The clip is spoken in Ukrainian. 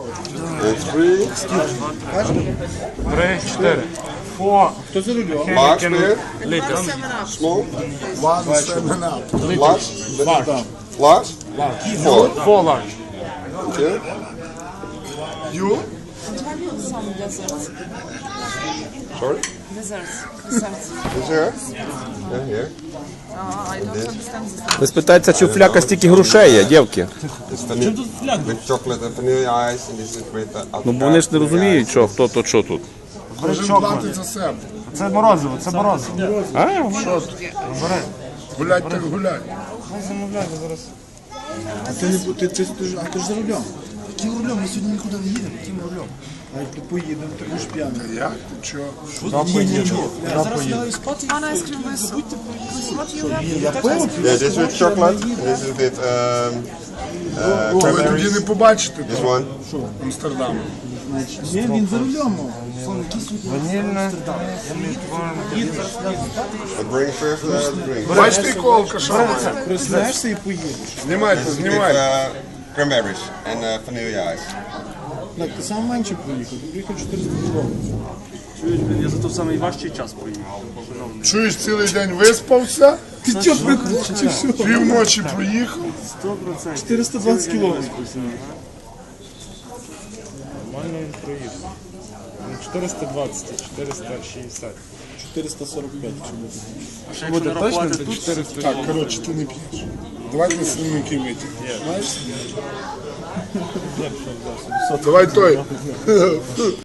Three. 3, 4. 4. Хто за рулем? Large beer. Liters. Small. One, 7 up. Large. Large. Four. 4 large. Okay. You? Some desserts. Sorry. Desserts. Is here? Yeah, here. I don't understand this. Ви спитаєте, чи у фляка стільки грошей є, дівки? It's with chocolate and vanilla ice, and this is with Ну, бо вони ж не розуміють, що, хто то, що тут. Кожен платить за себе. Це морозиво, це морозиво. А? Бери. Гулять так гулять. Хай замовляйте зараз. А ти не ти ж за рулем. Яким рулем? Ми сьогодні нікуди не їдемо. Яким рулем? А як поїдемо, ти будеш п'яний. Як? Ти чого? On ice cream with what you have? Я пив? Yeah, this with chocolate. This is with Ви тоді cranberries. не побачите This того one. Амстердаму. Ні, він за рулем. Ванільне. But bring first the drink. Бачите, якого алкаша? Приснаєшся і поїдеш. Знімайте, With знімайте. cranberries and vanilla ice. Так, ти сам менше поїхав. Ти приїхав 400 кілометрів. Чуєш, блін, я за той самий важчий час поїхав. Чуєш, цілий день виспався? Ти що, прикол, чи що? Півночі проїхав? 100%. 420 кілометрів. Нормально він проїхав. Не 420, а 460. 445, якщо буде. А ще якщо нарахувати тут, 400. Так, коротше, ти не п'єш. Давай на сильники витяг. Знаєш? Давай той.